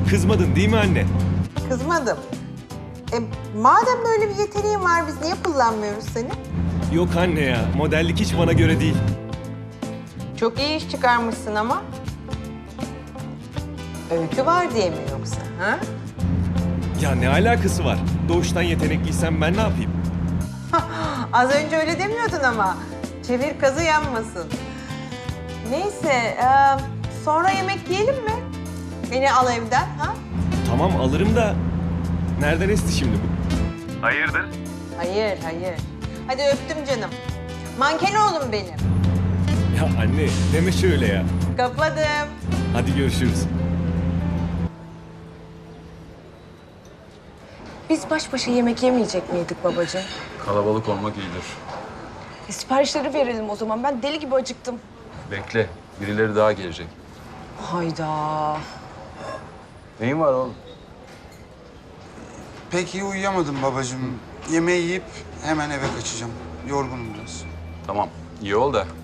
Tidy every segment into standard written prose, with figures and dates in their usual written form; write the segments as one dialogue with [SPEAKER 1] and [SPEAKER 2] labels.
[SPEAKER 1] Kızmadın değil mi anne?
[SPEAKER 2] Kızmadım. Madem böyle bir yeteneğin var biz niye kullanmıyoruz seni?
[SPEAKER 1] Yok anne ya, modellik hiç bana göre değil.
[SPEAKER 2] Çok iyi iş çıkarmışsın ama. Öykü var diye mi yoksa? Ha?
[SPEAKER 1] Ya ne alakası var? Doğuştan yetenekliysem ben ne yapayım?
[SPEAKER 2] Az önce öyle demiyordun ama. Çevir kazı yanmasın. Neyse, sonra yemek yiyelim mi? Beni al evden, ha?
[SPEAKER 1] Tamam alırım da nereden esti şimdi bu? Hayırdır?
[SPEAKER 2] Hayır, hayır. Hadi öptüm canım. Manken oğlum benim.
[SPEAKER 1] Ya anne deme şöyle ya.
[SPEAKER 2] Kapadım.
[SPEAKER 1] Hadi görüşürüz.
[SPEAKER 3] Biz baş başa yemek yemeyecek miydik babacığım?
[SPEAKER 4] Kalabalık olmak iyidir.
[SPEAKER 3] Siparişleri verelim o zaman. Ben deli gibi acıktım.
[SPEAKER 4] Bekle, birileri daha gelecek.
[SPEAKER 3] Hayda.
[SPEAKER 4] Neyin var oğlum?
[SPEAKER 5] Pek iyi uyuyamadım babacığım. Yemeği yiyip hemen eve kaçacağım. Yorgunum biraz.
[SPEAKER 4] Tamam, iyi ol da.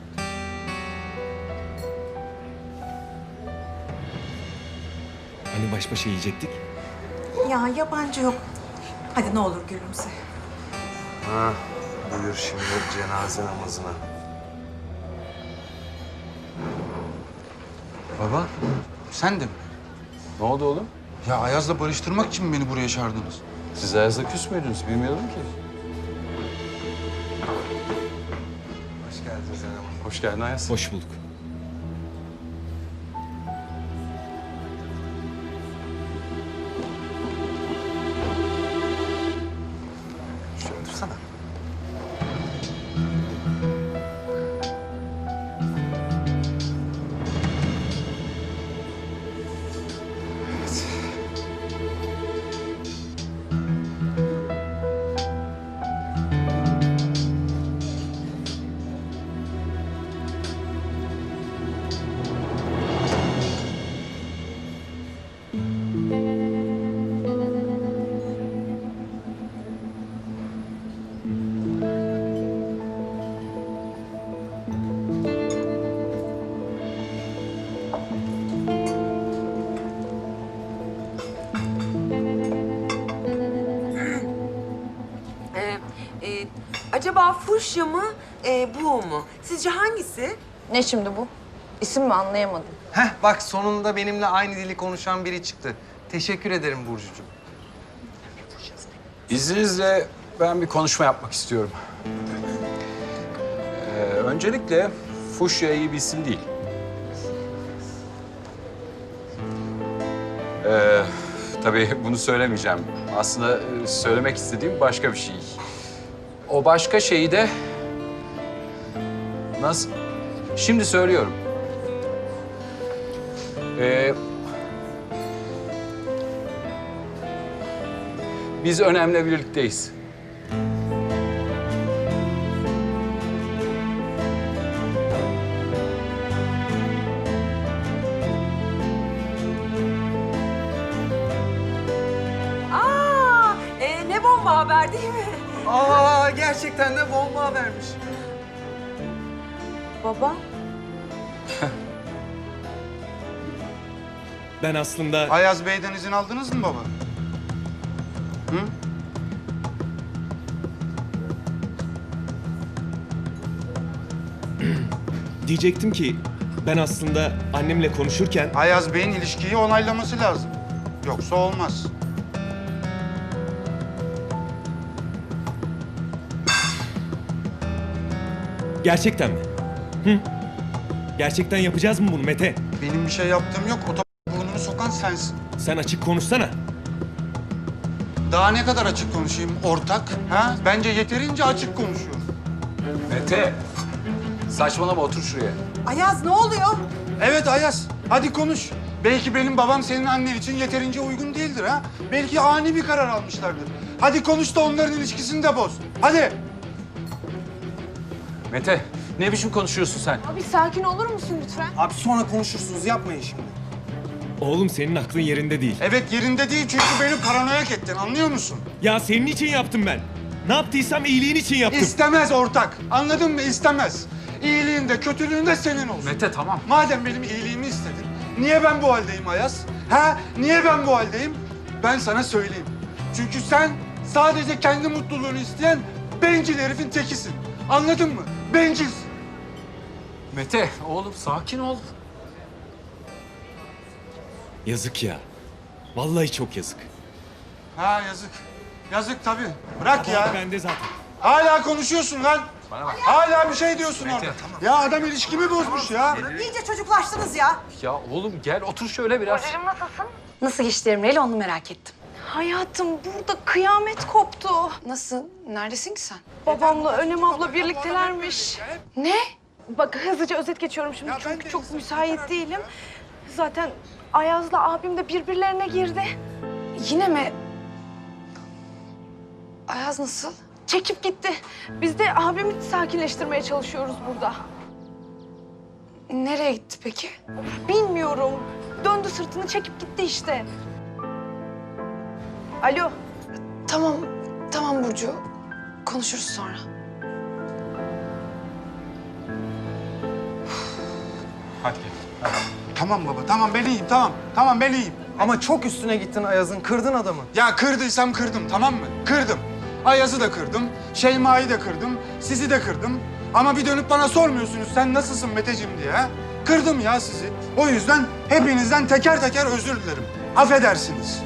[SPEAKER 1] Hani baş başa yiyecektik?
[SPEAKER 6] Ya yabancı yok. Hadi ne olur gülümse.
[SPEAKER 7] Ha, buyur şimdi cenaze namazına.
[SPEAKER 5] Baba, sen de mi?
[SPEAKER 4] Ne oldu oğlum?
[SPEAKER 5] Ya Ayaz'la barıştırmak için mi beni buraya çağırdınız?
[SPEAKER 4] Siz Ayaz'la küs müydünüz? Bilmiyordum ki.
[SPEAKER 7] Hoş geldin Zeynep.
[SPEAKER 4] Hoş geldin Ayaz.
[SPEAKER 1] Hoş bulduk.
[SPEAKER 7] Şöyle otursana.
[SPEAKER 6] Acaba fuşya mı, bu mu? Sizce hangisi?
[SPEAKER 3] Ne şimdi bu? İsim mi anlayamadım.
[SPEAKER 7] Heh bak sonunda benimle aynı dili konuşan biri çıktı. Teşekkür ederim Burcucuğum.
[SPEAKER 4] İzninizle ben bir konuşma yapmak istiyorum. Öncelikle fuşya iyi bir isim değil. Tabii bunu söylemeyeceğim. Aslında söylemek istediğim başka bir şey. O başka şeyi de... Nasıl? Şimdi söylüyorum. Biz önemli birlikteyiz.
[SPEAKER 6] Aa, ne bomba haber değil mi?
[SPEAKER 7] Aa gerçekten de bomba vermiş.
[SPEAKER 3] Baba.
[SPEAKER 1] Ben aslında...
[SPEAKER 5] Ayaz Bey'den izin aldınız mı baba? Hı?
[SPEAKER 1] Diyecektim ki ben aslında annemle konuşurken...
[SPEAKER 5] Ayaz Bey'in ilişkiyi onaylaması lazım. Yoksa olmaz.
[SPEAKER 1] Gerçekten mi? Hı? Gerçekten yapacağız mı bunu Mete?
[SPEAKER 5] Benim bir şey yaptığım yok. Burnunu sokan sensin.
[SPEAKER 1] Sen açık konuşsana.
[SPEAKER 5] Daha ne kadar açık konuşayım ortak? Ha? Bence yeterince açık konuşuyorum.
[SPEAKER 4] Mete, saçmalama otur şuraya.
[SPEAKER 6] Ayaz ne oluyor?
[SPEAKER 5] Evet Ayaz, hadi konuş. Belki benim babam senin annen için yeterince uygun değildir ha. Belki ani bir karar almışlardır. Hadi konuş da onların ilişkisini de boz. Hadi.
[SPEAKER 4] Mete, ne biçim konuşuyorsun sen?
[SPEAKER 3] Abi sakin olur musun lütfen?
[SPEAKER 7] Abi sonra konuşursunuz yapmayın şimdi.
[SPEAKER 1] Oğlum senin aklın yerinde değil.
[SPEAKER 5] Evet yerinde değil çünkü beni paranoyak ettin anlıyor musun?
[SPEAKER 1] Ya senin için yaptım ben. Ne yaptıysam iyiliğin için yaptım.
[SPEAKER 5] İstemez ortak. Anladın mı? İstemez. İyiliğin de kötülüğün de senin olsun.
[SPEAKER 4] Mete tamam.
[SPEAKER 5] Madem benim iyiliğimi istedin, Niye ben bu haldeyim Ayaz? Ha? Niye ben bu haldeyim? Ben sana söyleyeyim. Çünkü sen sadece kendi mutluluğunu isteyen bencil herifin tekisin. Anladın mı? Bencilsin.
[SPEAKER 4] Mete, oğlum sakin ol.
[SPEAKER 1] Yazık ya. Vallahi çok yazık.
[SPEAKER 5] Ha yazık. Yazık tabii. Bırak
[SPEAKER 1] Kabahat
[SPEAKER 5] ya.
[SPEAKER 1] bende zaten.
[SPEAKER 5] Hala konuşuyorsun lan.
[SPEAKER 4] Bana bak.
[SPEAKER 5] Hala bir şey diyorsun
[SPEAKER 4] Mete,
[SPEAKER 5] orada.
[SPEAKER 4] tamam.
[SPEAKER 5] Ya adam ilişkimi bozmuş ya.
[SPEAKER 6] İyice çocuklaştınız ya.
[SPEAKER 4] Ya oğlum gel otur şöyle biraz.
[SPEAKER 8] Nasıl geçti Emre'yle onu merak ettim.
[SPEAKER 3] Hayatım burada kıyamet koptu.
[SPEAKER 8] Nasıl? Neredesin ki sen?
[SPEAKER 3] Babamla Önem abla birliktelermiş.
[SPEAKER 8] Ne?
[SPEAKER 3] Bak hızlıca özet geçiyorum şimdi
[SPEAKER 5] Ya ben
[SPEAKER 3] çünkü
[SPEAKER 5] de
[SPEAKER 3] çok
[SPEAKER 5] insan-
[SPEAKER 3] müsait değilim. Zaten Ayaz'la abim de birbirlerine girdi.
[SPEAKER 8] Yine mi? Ayaz nasıl?
[SPEAKER 3] Çekip gitti. Biz de abimi sakinleştirmeye çalışıyoruz burada.
[SPEAKER 8] Nereye gitti peki?
[SPEAKER 3] Bilmiyorum. Döndü sırtını çekip gitti işte. Alo.
[SPEAKER 8] Tamam, tamam Burcu. Konuşuruz sonra.
[SPEAKER 4] Hadi gel.
[SPEAKER 5] Tamam baba, tamam ben iyiyim, tamam. Tamam ben iyiyim.
[SPEAKER 7] Ama çok üstüne gittin Ayaz'ın. Kırdın adamı.
[SPEAKER 5] Ya kırdıysam kırdım, tamam mı? Kırdım. Ayaz'ı da kırdım, Şeyma'yı da kırdım, sizi de kırdım. Ama bir dönüp bana sormuyorsunuz sen nasılsın Meteciğim diye ha? Kırdım ya sizi. O yüzden hepinizden teker teker özür dilerim. Affedersiniz.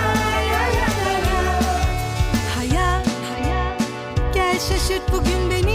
[SPEAKER 9] Hayat, gel şaşırt bugün beni.